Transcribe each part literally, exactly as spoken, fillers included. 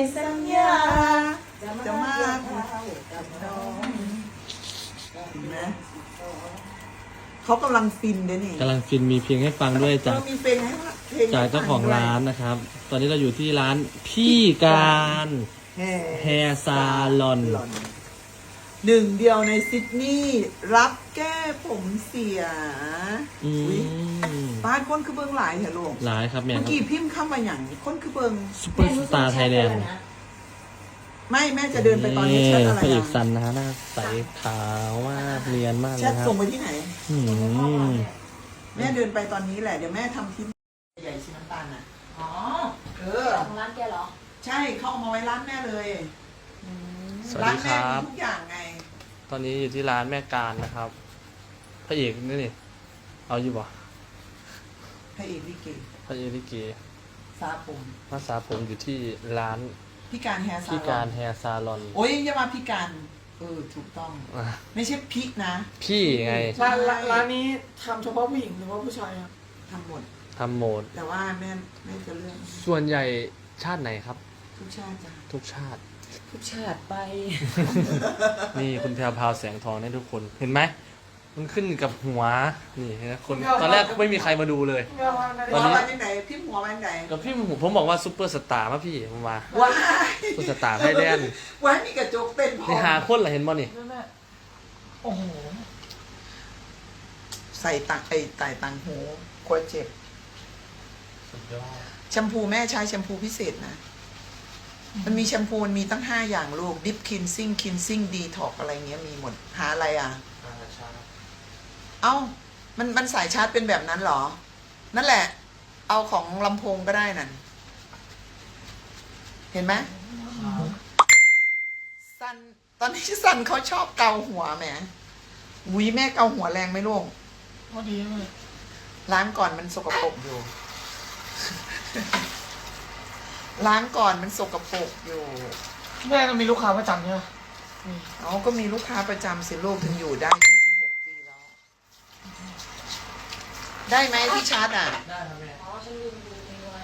สัญญาจะมากับน้องนะเขากำลังฟินเด้นี่กำลังฟินมีเพลงให้ฟังด้วยจากมีเพลงให้เพลงจากเจ้าของร้านนะครับ ตอนนี้เราอยู่ที่ร้านพี่การแห่แฮร์ซาลอนหนึ่งเดียวในซิดนีย์รับแก้ผมเสียอือุ๊ยมบ้านคนคือเบิงหลายเหรอลูกหลายครับแม่เมื่อครับกี้พิมพ์เข้ามาอย่างคนคือเบิงซุปเปอร์สตาร์ไทยแลนด์ไม่แม่จะเดินไปตอนนี้แชทอะไรพระเอกอ่ะซันนะฮะหน้าใสขาวมากเนียนมากเลแชยทครับส่งไปที่ไหนอืมแม่เดินไปตอนนี้แหละเดี๋ยวแม่ทำคลิปใหญ่สีน้ำตาลน่ะอ๋อเออของร้านแกเหรอใช่เขาเอามาไว้ร้านแม่เลยสวัสร้านดีคแม่รัมีบทุกอย่างไงตอนนี้อยู่ที่ร้านแม่การนะครับ พระเอกนี่นี่เอาอยู่บ่พระเอกลิเกพระเอกลิเกซาปุ่มภาษาผมอยู่ที่ร้านพี่การแฮร์ซาพี่ลกาอรนแฮร์ซาลอนโอ้ยอย่ามาพี่การเออถูกต้องอ่ะไม่ใช่พี่นะพี่ไงใช่ร้านร้านนี้ทำเฉพาะผู้หญิงหรือว่าผู้ชายครับทำหมดทำโหมดแต่ว่าแม่แม่จะเลือกส่วนใหญ่ชาติไหนครับทุกชาติจ้ะทุกชาติทุกชาติไปนี่คุณแพรวพราวแสงทองนี่ทุกคน เห็นไหม มันขึ้นกับหัว นี่นะคน ตอนแรกไม่มีใครมาดูเลย ตหัอนวนี้มาจากไหนพี่หัวมาจากไหนกับพี่ผมผมบอกว่าซุปเปอร์สตาร์มาพี่ผมมาว้ายซุปเปอร์สตาร์ไทยแลนด์ว้ายมีกระจกเต้นพอนี่หาคนเหรอเห็นบ่นี่แม่แม่โอ้โหใส่ตังไอ้ไต่ตังหูกลัวเจ็บสุดยอดแชมพูแม่ใช้แชมพูพิเศษนะ มันมีแชมพูมันมีตั้งห้าอย่างลูกดิฟคินซิ่งคินซิ่งดีท็อกอะไรเงี้ยมีหมดหาอะไรอ่ะ เอ้า มันมันสายชาร์จเป็นแบบนั้นเหรอ นั่นแหละ เอาของลำโพงก็ได้นั่น เห็นไหมซัน ตอนนี้ซันเขาชอบเกาหัวแหมอุ้ยแม่เกาหัวแรงไหมลูกพอดีเลยล้างก่อนมันสกปรกอยู่ ล้างก่อนมันสกปรกอยู่แม่ก็มีลูกค้าประจำใช่ไหมนี่เอาก็มีลูกค้าประจำสิลูกถึงอยู่ได้ยี่สิบหกปีแล้ว ได้ไหมที่ชาร์จอ่ะได้ครับแม่อ๋อ ฉันลืมดูนี่ว่า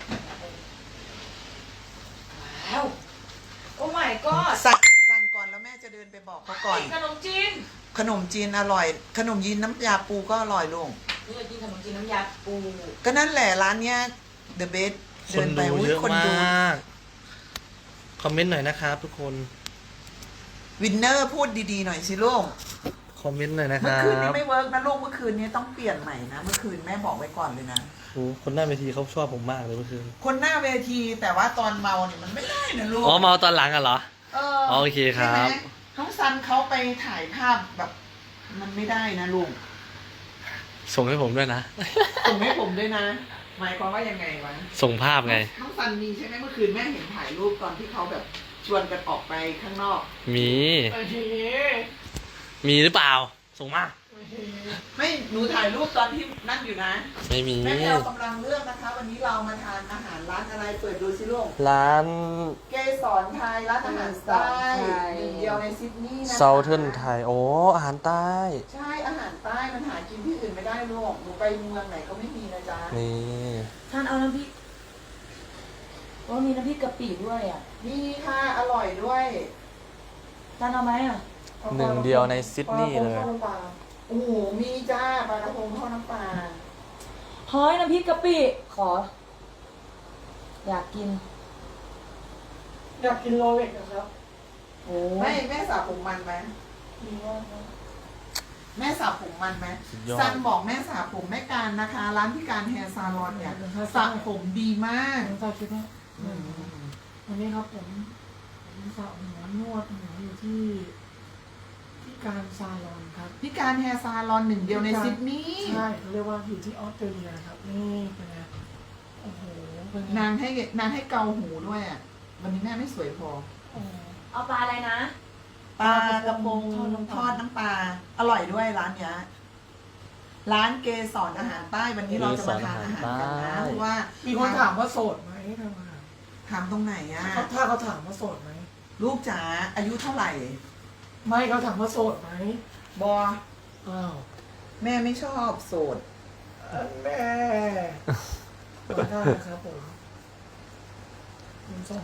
ว้าว โอ้ my god สั่งสั่งก่อนแล้วแม่จะเดินไปบอกเขาก่อนขนมจีนขนมจีนอร่อย ขนมจีนน้ำยาปูก็อร่อยลุงนี่เรากินขนมจีนน้ำยาปูก็นั่นแหละร้านเนี้ย The Best คเดินนไปดูอุ้เยยอะคนมดูาก คอมเมนต์หน่อยนะครับทุกคนวินเนอร์พูดดีๆหน่อยสิลูกคอมเมนต์หน่อยนะคเมื่อรัคืนนี้บไม่เวิร์กนะลูกเมื่อคืนนี้ต้องเปลี่ยนใหม่นะ เมื่อคืนแม่บอกไว้ก่อนเลยนะโอ้คนหน้าเวทีเขาชอบผมมากเลยเมื่อคืนคนหน้าเวทีแต่ว่าตอนเมาเนี่ยมันไม่ได้นะลูกอ๋อเมาตอนหลังอ่ะเหรอเออโอเคครับใช่ไหมน้องซันเขาไปถ่ายภาพแบบ มันไม่ได้นะลุงส่งให้ผมด้วยนะส่งให้ผมด้วยนะ หมายความว่ายังไงวะส่งภาพไงน้องซันมีใช่ไหมเมื่อคืนแม่เห็นถ่ายรูปตอนที่เขาแบบชวนกันออกไปข้างนอกมีโอเคมีหรือเปล่า ส่งมาโอเคไม่หนูถ่ายรูปตอนที่นั่นอยู่นะไม่มีแม่เรากำลังเลือกนะคะ วันนี้เรามาทานอาหารร้านอะไรเปิดดูสิลูกร้านเกสรไทยร้านอาหารใต้หนึ่งเดียวในซิดนีย์นะคะเซาเทิร์นไทย โอ้ อาหารใต้ใช่อาหารใต้มันหากินที่อื่นไม่ได้ลูกหนูไปเมืองไหนก็ไม่มีนะจ๊ะนี่ท่านเอาน้ำพริกโอ้มีน้ำพริกกะปิด้วยอ่ะมีค่ะอร่อยด้วยท่านเอาไหมอ่ะหนึ่งเดียวในซิดนีย์เลยปลากระพงทอดน้ำปลาโอ้โหมีจ้าปลากระพงทอดน้ำปลาเฮ้ยน้ำพริกกะปิ ขอ อยากกินอยากกินโรเล็กนะครับโอ้ไม่แม่สระผมมันไหมมีว่านะแม่สระผมมันไหมสุดยอดซันบอกแม่สระผมแม่การนะคะ ร้านพี่การแฮร์ซาลอนเนี่ยสระผมดีมากผมจะคิดว่าวันนี้ครับผมผมสระหัวนวดหัวอยู่ที่ที่การซาลอนครับพี่การแฮร์ซาลอนหนึ่งเดียวในซิดนีย์ใช่เขาเรียกว่าอยู่ที่ออสเตรเลียครับนี่เป็นไงโอ้โหเป็นไงนางให้นางให้เกาหูด้วยอ่ะวันนี้แม่ไม่สวยพอโอ้โหเอาปลาอะไรนะปลากระพงทอดน้ำปลาอร่อยด้วยร้านเนี้ยร้านเกสรอาหารใต้วันนี้เราจะมาทานอาหารกันนะเพราะว่ามีคนถามว่าโสดไหมทำไมถามตรงไหนอ่ะเขาถ้าเขาถามว่าโสดไหมลูกจ๋าอายุเท่าไหร่ไม่เขาถามว่าโสดไหมบออ้าวแม่ไม่ชอบโสดอันแม่เปิดได้ครับผมผมส่งให้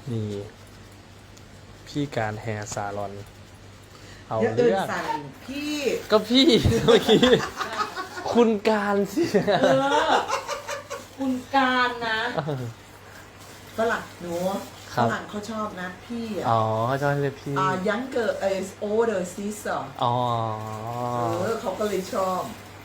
นี่ พี่การแฮร์ซาลอน เอาเดี๋ยวเดินเรื่องสั่นพี่ก็พี่ เมื่อกี้ คุณการสิเออ คุณการนะฝรั่งหนูครัฝบรั่งเขาชอบนะพี่อ่ะอ๋อเขาจะเรียกพี่อ่ายังเกิดเอสโอเดอร์ซิสอ่ะอ๋อเออเขาก็เลยชอบ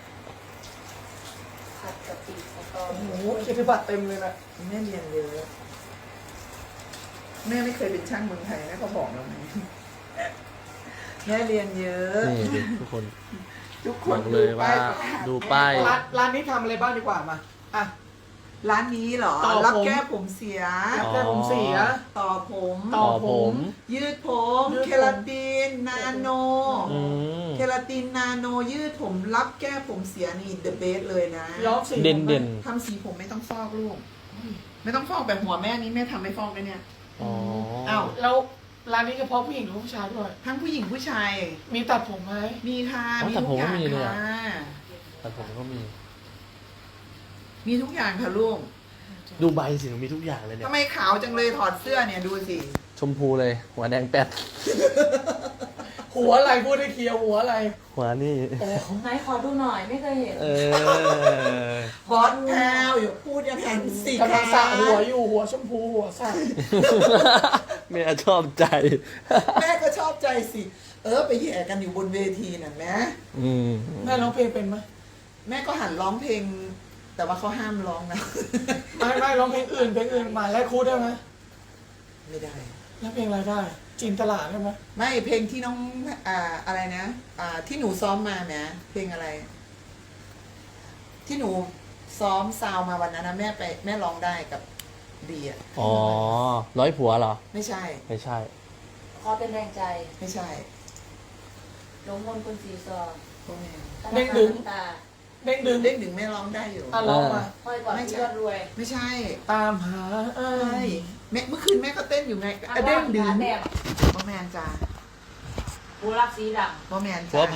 ผัดกะปิสตอโอ้โหเกียรติบัตรเต็มเลยนะแม่เรียนเยอะแม่ไม่เคยเป็นช่างเมืองไทยนะเขาบอกเราไหมแม่เรียนเยอะนี่ดิทุกคนทุกคบนอกเลยว่าประกศดูป้ายร้านร้านนี้ทำอะไรบ้างดีกว่ามาอ่ะร้านนี้เหรอต่อผมรับแก้ผมเสียรับแก้ผมเสียต่อผมต่ต่ออผมยืดผมยืดผมเคลาติน นาโนอืมเคลาติน นาโน ยืดผม รับแก้ผมเสียนี่เดอะเบสเลยนะย้อมสีเด่นเด่นทำสีผมไม่ต้องฟอกลูก ไม่ต้องฟอกแบบหัวแม่นี้แม่ทำไม่ฟอกเลยเนี่ยอ๋ออ้าวแล้วร้านนี้เฉพาะผู้หญิงหรือผู้ชายด้วยทั้งผู้หญิงผู้ชายมีตัดผมไหมมีค่ะอ๋อมีแต่ทุผมกอก็ย่างมีเลยอะค่ะแต่ผมก็มีมีทุกอย่างค่ะลูกดูใบสิมีทุกอย่างเลยเนี่ยทำไมขาวจังเลยถอดเสื้อเนี่ยดูสิชมพูเลย หัวแดงแป๊ดหัวอะไรพูดให้เคลียร์หัวอะไรหัวนี่โอ้ไหนขอดูหน่อยไม่เคยเห็นเออบอสแพลวอย่าพูดอย่างนั้นสิกำลังสระคะหัวอยู่หัวชมพูหัวสระแม่ชอบใจแม่ก็ชอบใจสิ เออไปแย่กันอยู่บนเวทีน่ะแม่อืมแม่ร้องเพลงเป็นไหมแม่ก็หันร้องเพลง แต่ว่าเขาห้ามร้องนะไม่ไม่ร้องเพลงอื่นเพลงอื่นมาแลกคูดได้ไหมไม่ได้แล้วเพลงอะไรได้จินตลาดได้ไหมไม่เพลงที่น้องอ่าอะไรนะอ่าที่หนูซ้อมมานะเพลงอะไร ที่หนูซ้อมซาวมาวันนั้นนะแม่ไปแม่ร้องได้กับดีอ่ะอ๋อ ร้อยผัวเหรอไม่ใช่ไม่ใช่ขอเป็นแรงใจไม่ใช่ลงมนต์คุณสีซอพวกแม่ธนาคารน้ำตาเด้งดึงเด้งดึงแม่ร้องได้อยู่อ่ะร้องมาห้อยกว่าไม่ใช่พี่ยอดรวยไม่ใช่ตามหาเอ้ใช่ยแม่เมื่อคืนแม่ก็เต้นอยู่ไงอ่ะเด้งดึงขาแดงบ่แมนจ้าบูรักสีดบ่แมนผัวจ้าไผ่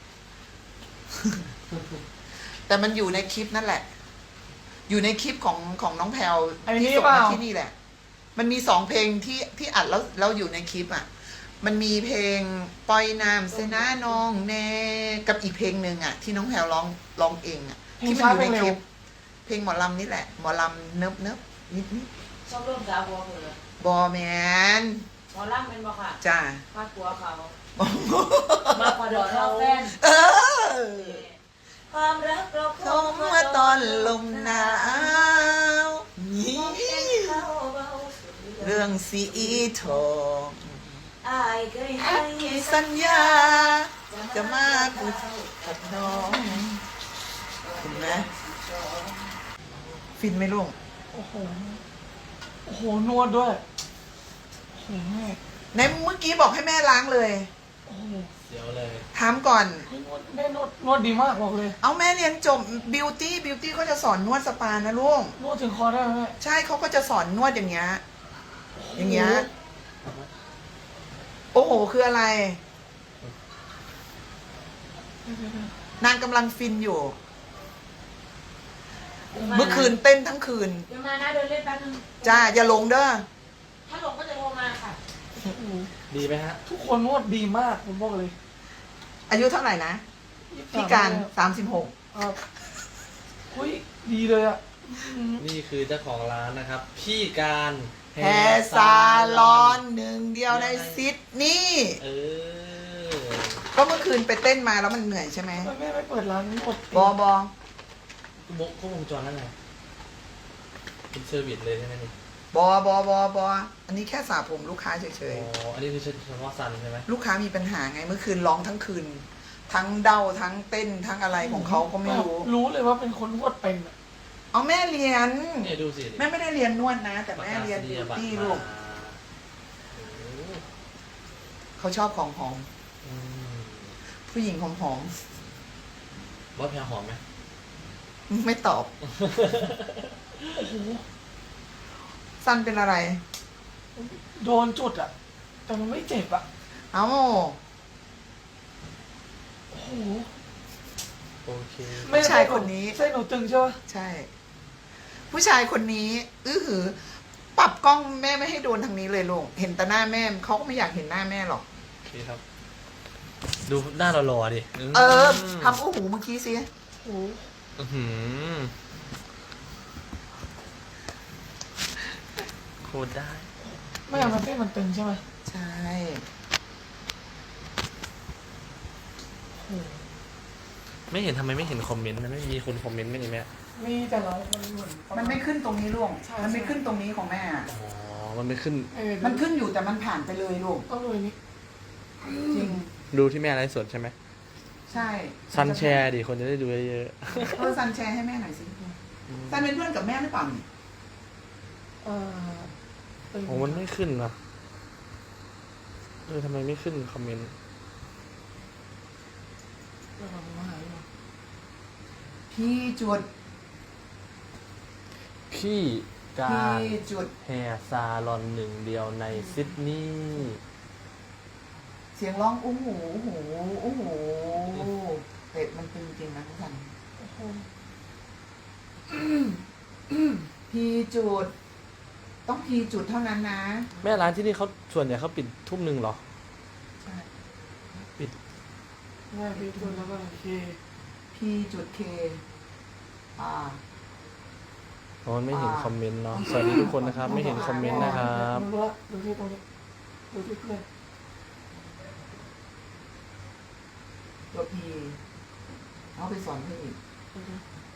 แต่มันอยู่ในคลิปนั่นแหละ อยู่ในคลิปของของน้องแพลวอันนี้ที่ส่งเปล่ามาที่นี่แหละ มันมีสองเพลงที่ที่อัดแล้วแล้วอยู่ในคลิปอ่ะ มันมีเพลงปล่อยน้ำเสนาน้องแน่กับอีกเพลงหนึ่งอ่ะ ที่น้องแพลวร้องร้องเองอ่ะเพลงที่มันช้าอยู่เพลในงคเร็ลิวป เพลงหมอลำนี่แหละ หมอลำเนิบเนิบนิดนิดำชอบร่วมสาวหัวเหือบอแมนหมอล่ำเป็นบ่ค่ะจ้าภาคกัวเขา มาพอดอนเราแฟนเออความรักเราเข้ามาตอนลมหนาวนี่เข้าเบาสุดเรื่องสีทองอายเคยให้สัญญา จะมาพูดกับน้องเห็นไหมฟินไหมลุงโอ้โหโอ้โหนวดด้วยโอ้โหแม่ในเมื่อกี้บอกให้แม่ล้างเลยโอ้โหเดี๋ยวเลยถามก่อนเฮ้ยนวดแม่นวดนวดดีมากบอกเลยเอาแม่เรียนจบบิวตี้บิวตี้เขาจะสอนนวดสปานะลุงนวดถึงคอได้ไหมแม่ใช่เขาก็จะสอนนวดอย่างเงี้ย อย่างเงี้ย โอ้โห คืออะไร นางกำลังฟินอยู่ เมื่อคืนเต้นทั้งคืนเดี๋ยวมานะเดินเล่นแป๊บนึงจ้า อย่าหลงเด้อถ้าหลงก็จะโทรมาค่ะโอ้โหดีไหมฮะทุกคนนวดดีมากผมบอกเลยอายุเท่าไหร่นะ พี่การสามสิบหกครับอุ้ยดีเลยอ่ะอืมนี่คือเจ้าของร้านนะครับ พี่การแฮร์ซาลอนหนึ่งเดียวในซิดนีย์เออก็เมื่อคืนไปเต้นมาแล้วมันเหนื่อยใช่ไหมทำไมแม่ไม่เปิดร้านนวดบอบอมุกก็วงจรนั่นแหละเป็นเซอร์วิสเลยใช่ไหมนี่บอบอบอบออันนี้แค่สระผมลูกค้าเฉอ๋ยอ อันนี้คือเฉพาะซันใช่ไหมๆ ลูกค้ามีปัญหาไง เมื่อคืนร้องทั้งคืน ทั้งเด้าทั้งเต้นทั้งอะไรของเขาก็ไม่รู้รู้เลยว่าเป็นคนนวดเป็นอะเอาแม่เรียนเนี่ยดูสิแม่ไม่ได้เรียนนวดนะ แต่แม่เรียนบิวตี้ลูกโอ้เขาชอบของหอมอืมผู้หญิงหอมหอมว่าแพรหอมไหมๆไม่ตอบโอ้โหสั้นเป็นอะไรโดนจุดอ่ะ แต่มันไม่เจ็บอ่ะเอ้าโอ้โหโอเคผู้ชายคนนี้เส้นหนูตึงใช่ปะใช่ ผู้ชายคนนี้ อื้อหือปรับกล้องแม่ไม่ให้โดนทางนี้เลยลูกเห็นแต่หน้าแม่เขาก็ไม่อยากเห็นหน้าแม่หรอกโอเคครับ ดูหน้าหล่อๆดิเออทำโอ้โหเมื่อกี้สิโอ้อื้อหือโคตรได้ไม่เอามันเต้นมันตึงใช่ไหมใช่โอ้ไม่เห็นทำไมไม่เห็นคอมเมนต์มันไม่มีคนคอมเมนต์ไม่นี่แม่มีแต่เรา มันเหมือนมันไม่ขึ้นตรงนี้ลูกใช่มันไม่ขึ้นตรงนี้ของแม่อะอ๋อ มันไม่ขึ้นเออมันขึ้นอยู่แต่มันผ่านไปเลยลูกต้องดูอันนี้จริงดูที่แม่ไลฟ์สดใช่ไหมใช่ซันแชร์ดิ คนจะได้ดูเยอะเออซันแชร์ให้แม่หน่อยสิซันเป็นเพื่อนกับแม่หรือเปล่านี่เออตึงๆโอ้มันไม่ขึ้นนะเออทำไมไม่ขึ้นคอมเมนต์เดี๋ยวเรามาหาอยู่พี่จุดพี่กาพี่รจุดแฮร์ซาลอนหนึ่งเดียวในซิดนีย์เสียงร้องอู้หูอู้หูอู้หูเป็ดมันตึงจริงนะทุกท่านโอ้โหพี่จุด ต้องพี่จุดเท่านั้นนะแม่ร้านที่นี่เขาส่วนใหญ่เขาปิดทุ่มหนึ่งเหรอใช่ปิดแม่พี่ตุนแล้วก็โอเคพี่จุดเคอ่าเพราะมันไม่เห็นคอมเมนต์เนาะ สวัสดีทุกคนนะครับ ไม่เห็นคอมเมนต์นะครับดูละดูที่ตรงนี้ดูที่เพื่อนตัวพีเอาไปสอนเพื่อนอีกโอเค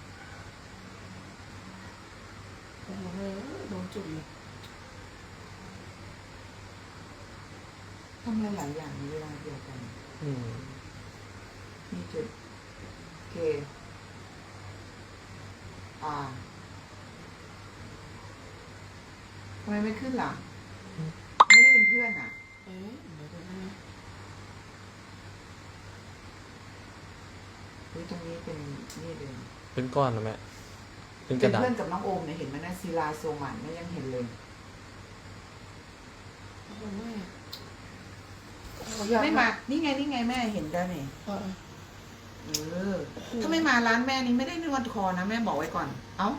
โอ้โหแม่โดนจุดเลยทำหลายๆอย่างในเวลาเดียวกันอืมพี่จุดเคอ่าทำไมไม่ขึ้นล่ะ ไม่ได้เป็นเพื่อนอ่ะเอ๊ะเดี๋ยวนะเฮ้ยตรงนี้เป็นนี่เลยเป็นก้อนนะแม่ เป็นกเป็ระนดาษเพื่อนกับน้องโอมเนี่ยเห็นไหมนะศิลาโซมันไม่ยังเห็นเลยโอ้โหแม่โอ้โหอยากไม่มา นี่ไงนี่ไงแม่เห็นได้นี่เออเออ ถ้าไม่มาร้านแม่นี่ไม่ได้นวดคอนะแม่บอกไว้ก่อน เอ้า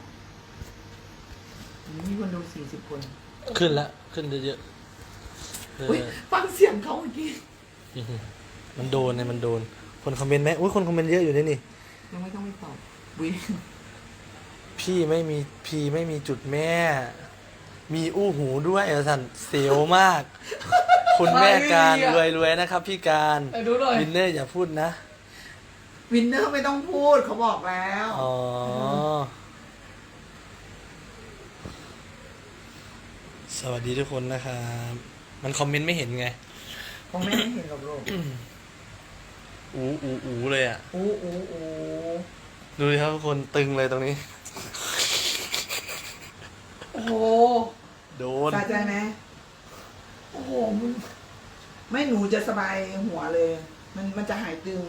มีคนดูสี่สิบคนขึ้นละ ขึ้นเยอะๆเอออุ้ยฟังเสียงเขาเมื่อกี้มันโดนไงมันโดน คนคอมเมนต์ไหมอุ้ยคนคอมเมนต์เยอะอยู่นี่นี่ยังไม่ต้องไปตอบวิพี่ไม่มีพี่ไม่มีจุดแม่ มีอู้หูด้วยเออสันเสียวมาก คุณแม่การรวยรวยๆนะครับ พี่การไปดูหน่อยวินเนอร์อย่าพูดนะวินเนอร์ไม่ต้องพูดเขาบอกแล้วอ๋อ สวัสดีทุกคนนะครับ มันคอมเมนต์ไม่เห็นไงของแม่ไม่เห็นหรอกลูกอูอูอูเลยอ่ะอู้อู้อู้ดูดิครับทุกคนตึงเลยตรงนี้โอ้โหโดนสะใจไหมโอ้โหมึงไม่หนูจะสบายหัวเลย มันมันจะหายตึง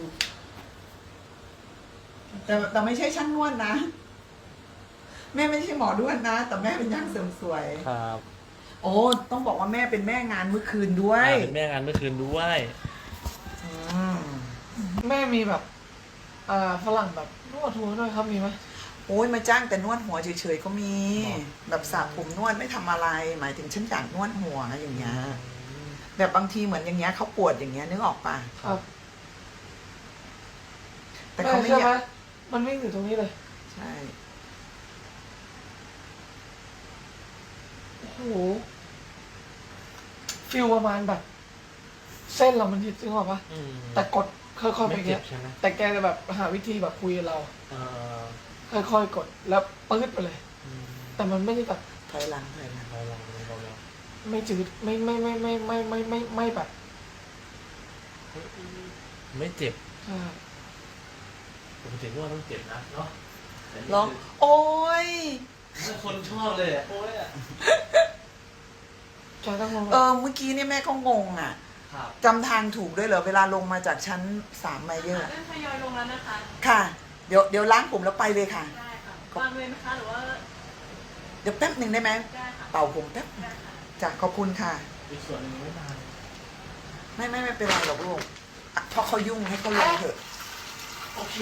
แต่แต่ไม่ใช่ช่างนวดนะ แม่ไม่ใช่หมอนวดนะ แต่แม่เป็นย่างเสริมสวยครับโอ้ต้องบอกว่าแม่เป็นแม่งานเมื่อคืนด้วยอ่าเป็นแม่งานเมื่อคืนด้วยอืมแม่มีแบบอ่าฝรั่งแบบนวดหัวด้วยครับมีไหมโอ้ยมาจ้างแต่นวดหัวเฉยๆก็มีหรอแบบสระผมนวดไม่ทำอะไร หมายถึงฉันอยากนวดหัวอย่างเงี้ย แบบบางทีเหมือนอย่างเงี้ยเขาปวดอย่างเงี้ยนึกออกปะครับแต่เขาไม่ใช่อไหมยากมันวิ่งอยู่ตรงนี้เลยใช่โอ้โหฟิลประมาณแบบ เส้นเรามันยึดจึงออกปะอืมแต่กดค่อยๆไปไม่เงี้เจ็ยบใช่ไหมแต่แกจะแบบหาวิธีแบบคุยกับเราเอ่อค่อยๆกดแล้วปื๊ดไปเลยอืมแต่มันไม่ได้แบบถอยหลังถอยหลังเราลองเราลองไม่จืดไม่ไม่ไม่ไม่ไม่ไม่ไม่ไม่แบบไม่เจ็บใช่ปกตินวดต้องเจ็บนะเนาะแต่นี่ร้อง โอ้ยคือคนชอบเลยอ่ะโอ้ยอ่ะแกต้องลงเออ เมื่อกี้เนี่ยแม่ก็งงอ่ะครับจำทางถูกด้วยเหรอ เวลาลงมาจากชั้นสามไมเยอร์เริ่มทยอยลงแล้วนะคะค่ะ เดี๋ยวเดี๋ยวล้างผมแล้วไปเลยค่ะได้ค่ะวางเลยไหมคะหรือว่าเดี๋ยวแป๊บหนึ่งได้ไหมได้ค่ะเป่าผมแป๊บได้ค่ะจ้ะขอบคุณค่ะอีกส่วนหนึงไม่มาเลยไม่ไม่ไม่เป็นไรหรอกลูกอ่ะเพราะเขายุ่งให้เขาลงเถอะโอเค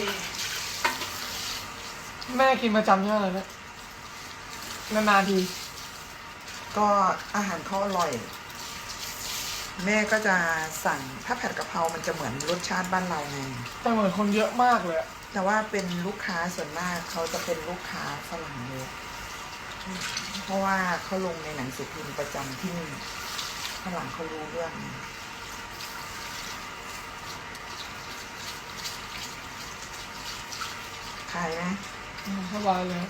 แม่กินประจำใช่ไหมเนี่ยนานๆทีก็อาหารเขาอร่อย แม่ก็จะสั่งถ้าผัดกะเพรามันจะเหมือนรสชาติบ้านเราไงแต่เหมือนคนเยอะมากเลยอะแต่ว่าเป็นลูกค้าส่วนมากเขาจะเป็นลูกค้าฝรั่งเยอะเพราะว่าเขาลงในหนังสือพิมพ์ประจำที่นี่ฝรั่งเขารู้เรื่องขายไหมอืมสบายเลย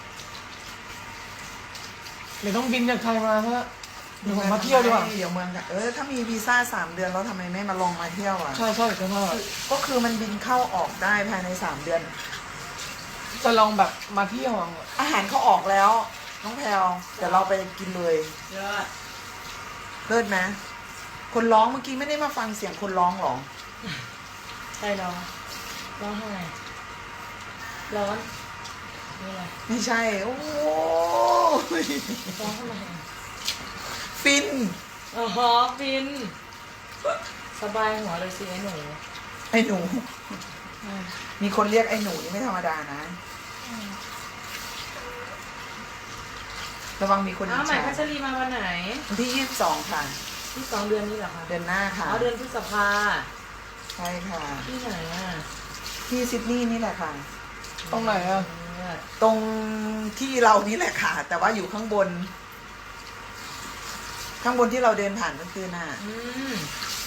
เดี๋ยวต้องบินจากไทยมาเพื่อเดี๋ยวผมมาเที่ยวดีกว่าเดี๋ยวเมืองกันเออถ้ามีวีซ่าสามเดือนแล้วทำไมไม่มาลองมาเที่ยวอ่ะใช่ใช่จะมาก็คือมันบินเข้าออกได้ภายในสามเดือนจะลองแบบมาเที่ยวอะอาหารเขาออกแล้ว น้องแพลวเดี๋ยวเราไปกินเลยยอดเลิศไหมคนร้องเมื่อกี้ไม่ได้มาฟังเสียงคนร้องหรอใช่ร้องร้องทำไมร้อนนี่อะไรไม่ใช่ โอ้โหร้องทำไมฟินอ๋อฟิน สบายหัวเลยสิไอ้หนูไอ้หนู มีคนเรียกไอ้หนูนี่ไม่ธรรมดานะ ระวังมีคนอ้าวอิจใหม่ฉาพัชรีมาวันไหนวันที่ยี่สิบสองค่ะที่สองเดือนนี้เหรอคะเดือนหน้าค่ะอ๋อเดือนพฤษภาใช่ค่ะที่ไหนอ่ะที่ซิดนีย์นี่แหละค่ะตรงไหนอะเลิศตรงที่เรานี่แหละค่ะ แต่ว่าอยู่ข้างบน ข้างบนที่เราเดินผ่านเมื่อคืนน่ะอืม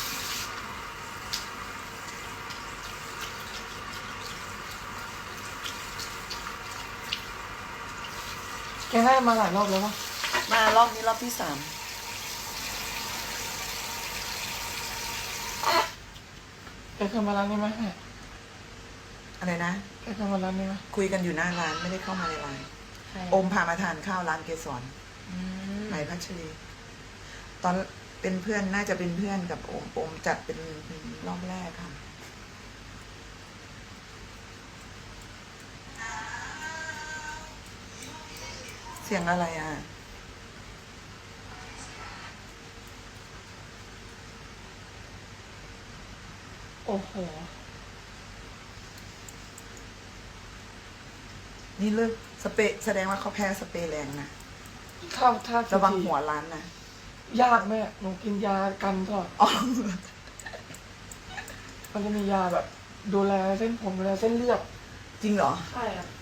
แกได้มาหลายรอบแล้วปะมารอบนี้รอบที่สามแกเคยมาร้านนี้ไหมอะไรนะแกเคยมาร้านนี้ไหมคุยกันอยู่หน้าร้านไม่ได้เข้ามาในร้านใครโอมพามาทานข้าวร้านเกสรอืมไหมพัชรี ตอนเป็นเพื่อนน่าจะเป็นเพื่อนกับโอมโอมจัดเป็นรอบแรกค่ะ เสียงอะไรอ่ะโอ้โหนี่เลิกสเปรย์แสดงว่าเขาแพ้สเปรย์แรงนะถ้าถ้าระวังหัวร้านนะยากแม่หนูกินยากันตลอดอ๋อมันจะมียาแบบ ดูแลเส้นผมดูแลเส้นเลือดจริงเหรอใช่ครับ